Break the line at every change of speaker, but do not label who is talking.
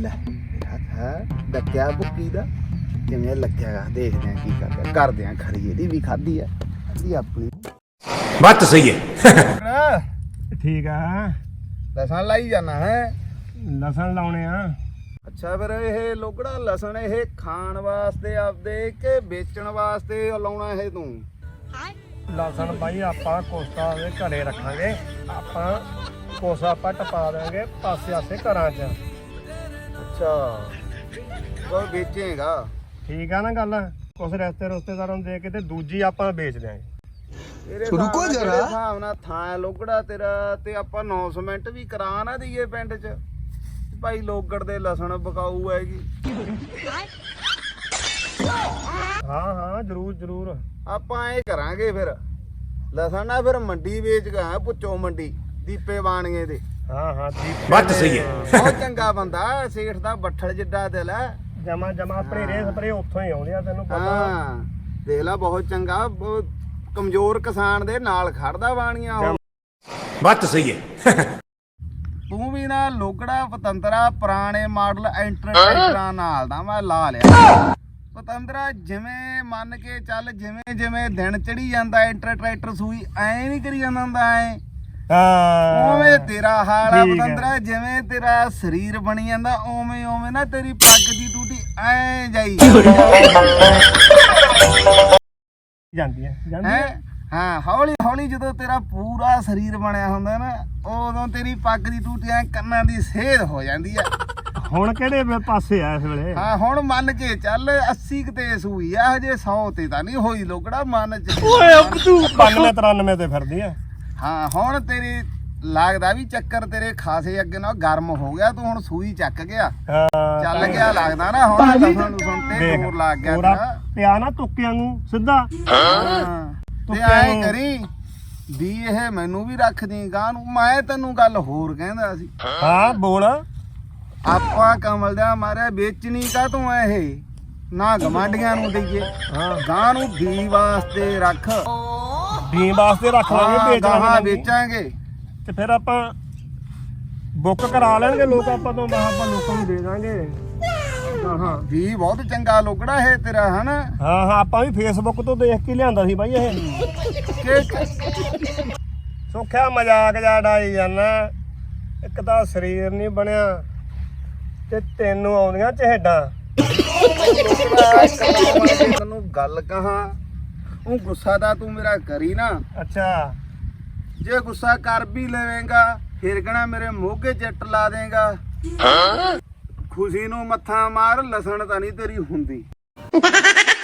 ਲੈ ਹੈ ਡੱਕਿਆ ਭੁੱਕੀ ਦਾ ਕਿਵੇਂ ਲੱਗਿਆਗਾ ਦੇਖਦੇ ਆ ਕੀ ਕਰਦੇ ਆ ਖਰੀ ਇਹਦੀ ਵੀ ਖਾਧੀ ਆ ਇਹ ਆਪਣੀ
ਬਾਤ ਤਾਂ ਸਹੀ ਹੈ।
ਠੀਕ ਆ
ਲਸਣ ਲਾਈ ਜਾਣਾ ਹੈ
ਲਸਣ ਲਾਉਣੇ ਆ।
ਅੱਛਾ ਫਿਰ ਇਹ ਲੋਕੜਾ ਲਸਣ ਇਹ ਖਾਣ ਵਾਸਤੇ ਆਪਦੇ ਕਿ ਵੇਚਣ ਵਾਸਤੇ ਲਾਉਣਾ ਇਹ ਤੂੰ
ਲਸਣ ਬਾਈ ਆਪਾਂ ਕੋਸਾ ਦੇ ਘਰੇ ਰੱਖਾਂਗੇ ਆਪਾਂ ਕੋਸਾ ਆਪਾਂ ਟਪਾ ਦੇਵਾਂਗੇ ਪਾਸੇ ਆਸੇ ਘਰਾਂ 'ਚ।
ਅੱਛਾ ਉਹ ਵੇਚੇਗਾ
ਠੀਕ ਆ ਨਾ ਗੱਲ ਕੁਛ ਰਿਸ਼ਤੇਦਾਰਾਂ ਨੂੰ ਦੇ ਕੇ ਤੇ ਦੂਜੀ ਆਪਾਂ ਵੇਚ ਦਿਆਂਗੇ।
ਰੁਕੋ ਜਰਾ ਹਿਸਾਬ ਨਾਲ ਥਾਂ ਲੋਕੜਾ ਤੇਰਾ ਤੇ ਆਪਾਂ ਅਨਾਉਂਸਮੈਂਟ ਵੀ ਕਰਾ ਨਾ ਦਈਏ ਪਿੰਡ 'ਚ ਭਾਈ ਲੋਗੜ ਦੇ ਲਸਣ ਬਕਾਊ ਹੈਗੀ।
ਹਾਂ ਜ਼ਰੂਰ
ਆਪਾਂ ਇਹ ਕਰਾਂਗੇ ਫਿਰ ਲਸਣ ਨਾ ਫਿਰ ਮੰਡੀ ਵੇਚ ਗਿਆ ਪੁੱਚੋ ਮੰਡੀ ਦੀਪੇ ਬਾਣੀਏ ਦੇ।
ਹਾਂ
ਬਾਤ ਤਾਂ ਸਹੀ ਹੈ।
ਬਹੁਤ ਚੰਗਾ ਬੰਦਾ ਸੇਠ ਦਾ ਬੱਠਲ ਜਿੱਡਾ ਦਿਲ ਹੈ
ਜਮਾ ਆਪਣੇ ਰੇ ਸਪਰੇ ਉੱਥੋਂ ਹੀ ਆਉਂਦੇ ਆ ਤੈਨੂੰ ਪਤਾ।
ਹਾਂ ਦੇਖ ਲਾ ਬਹੁਤ ਚੰਗਾ ਬਹੁਤ ਕਮਜ਼ੋਰ ਕਿਸਾਨ ਦੇ ਨਾਲ ਖੜਦਾ ਬਾਣੀਆਂ ਉਹ।
ਬਾਤ ਤਾਂ ਸਹੀ ਹੈ।
ਤੂੰ ਵੀ ਨਾ ਲੋਕੜਾ ਪਤੰਦਰਾ ਪੁਰਾਣੇ ਮਾਡਲ ਐਂਟਰਟਾਈਨਰਾਂ ਨਾਲ ਦਾ ਮੈਂ ਲਾ ਲਿਆ ਪਤੰਦਰਾ ਜਿਵੇਂ ਮੰਨ ਕੇ ਚੱਲ ਜਿਵੇਂ ਦਿਨ ਚੜੀ ਜਾਂਦਾ ਐਂਟਰਟਾਈਨਰ ਸੂਈ ਐ ਨਹੀਂ ਕਰੀ ਜਾਂਦਾ ਹੁੰਦਾ ਐ ਉਵੇਂ ਤੇਰਾ ਹਾਲ ਆ ਪਤੰਦਰਾ ਜਿਵੇਂ ਤੇਰਾ ਸਰੀਰ ਬਣੀ ਜਾਂਦਾ ਉਵੇਂ ਨਾ ਤੇਰੀ ਪੱਗ ਦੀ ਟੂਟੀ ਐ ਜਾਈ
ਜਾਂਦੀ
ਹੈ। ਹਾਂ ਹੌਲੀ ਜਦੋਂ ਤੇਰਾ ਪੂਰਾ ਸਰੀਰ ਬਣਿਆ ਹੁੰਦਾ ਨਾ ਉਦੋਂ ਤੇਰੀ ਪੱਗ ਦੀ ਟੂਟੀ ਐ ਕੰਨਾਂ ਦੀ ਸੇਧ ਹੋ ਜਾਂਦੀ ਆ।
ਹੁਣ ਕਿਹੜੇ ਪਾਸੇ ਆ ਇਸ ਵੇਲੇ?
ਹਾਂ ਹੁਣ ਮੰਨ ਕੇ ਚੱਲ 80 ਤੇ ਸੂਈ ਆ ਹਜੇ 100 ਤੇ ਤਾਂ ਨਹੀਂ ਹੋਈ ਲੋਕੜਾ ਮਨ ਚ।
ਓਏ ਤੂੰ 92-93 ਤੇ ਫਿਰਦੀ ਆ।
ਹਾਂ ਹੁਣ ਤੇਰੀ ਲੱਗਦਾ ਵੀ ਚੱਕਰ ਤੇਰੇ ਖਾਸੇ ਅੱਗੇ ਨਾਲ ਗਰਮ ਹੋ ਗਿਆ ਤੂੰ ਹੁਣ ਸੂਈ ਚੱਕ ਗਿਆ ਚੱਲ ਗਿਆ ਲੱਗਦਾ ਨਾ ਹੁਣ ਲਸਣ ਨੂੰ ਸੁਣਤੇ ਹੋਰ ਲੱਗ ਗਿਆ ਤੇਰਾ
ਪਿਆ ਨਾ ਤੁੱਕਿਆਂ ਨੂੰ ਸਿੱਧਾ।
ਤੇ ਐ ਕਰੀ ਵੀ ਇਹ ਮੈਨੂੰ ਵੀ ਰੱਖ ਦੀ ਗਾਂ ਨੂੰ ਮੈਂ ਤੈਨੂੰ ਗੱਲ ਹੋਰ ਕਹਿੰਦਾ ਸੀ।
ਹਾਂ ਬੋਲ।
ਆਪਾਂ ਕਮਲ ਦਾ ਮਾਰਿਆ ਵੇਚਣੀ ਕਾ ਤੂੰ ਇਹ ਨਾ ਗਮਾਂਡੀਆਂ ਨੂੰ ਦਈਏ ਗਾਂ ਨੂੰ ਵੀ ਵਾਸਤੇ ਰੱਖ
ਵੀ ਵਾਸਤੇ ਰੱਖ ਲਾਂਗੇ
ਵੇਚਾਂਗੇ
ਤੇ ਫਿਰ ਆਪਾਂ ਬੁੱਕ ਕਰਾ ਲੈਣਗੇ ਲੋਕ ਆਪਾਂ ਤੋਂ ਆਪਾਂ ਲੋਕਾਂ ਨੂੰ ਦੇ ਦਾਂਗੇ। ਹਾਂ
ਵੀ ਬਹੁਤ ਚੰਗਾ ਲੋਕੜਾ ਇਹ ਤੇਰਾ ਹਨਾ।
ਹਾਂ ਆਪਾਂ ਵੀ ਫੇਸਬੁੱਕ ਤੋਂ ਦੇਖ ਕੇ ਲਿਆਂਦਾ ਸੀ ਬਾਈ ਇਹ ਸੁੱਖਿਆ ਮਜ਼ਾਕ ਜਾ ਡਾਈ ਜਾਂਦਾ। ਇੱਕ ਤਾਂ ਸਰੀਰ ਨਹੀਂ ਬਣਿਆ ਤੇ ਤੈਨੂੰ ਆਉਂਦੀਆਂ ਚਿਹੜਾਂ।
ਤੈਨੂੰ ਗੱਲ ਕਹਾਂ ਉਹ ਗੁੱਸਾ ਤਾਂ ਤੂੰ ਮੇਰਾ ਕਰੀ ਨਾ।
ਅੱਛਾ
ਜੇ ਗੁੱਸਾ ਕਰ ਵੀ ਲਵੇਂਗਾ ਫਿਰ ਕਹਣਾ ਮੇਰੇ ਮੋਢੇ ਚੱਟ ਲਾ ਦੇਗਾ। ਖੁਸ਼ੀ ਨੂੰ ਮੱਥਾ ਮਾਰ ਲਸਣ ਤਾਂ ਨਹੀਂ ਤੇਰੀ ਹੁੰਦੀ।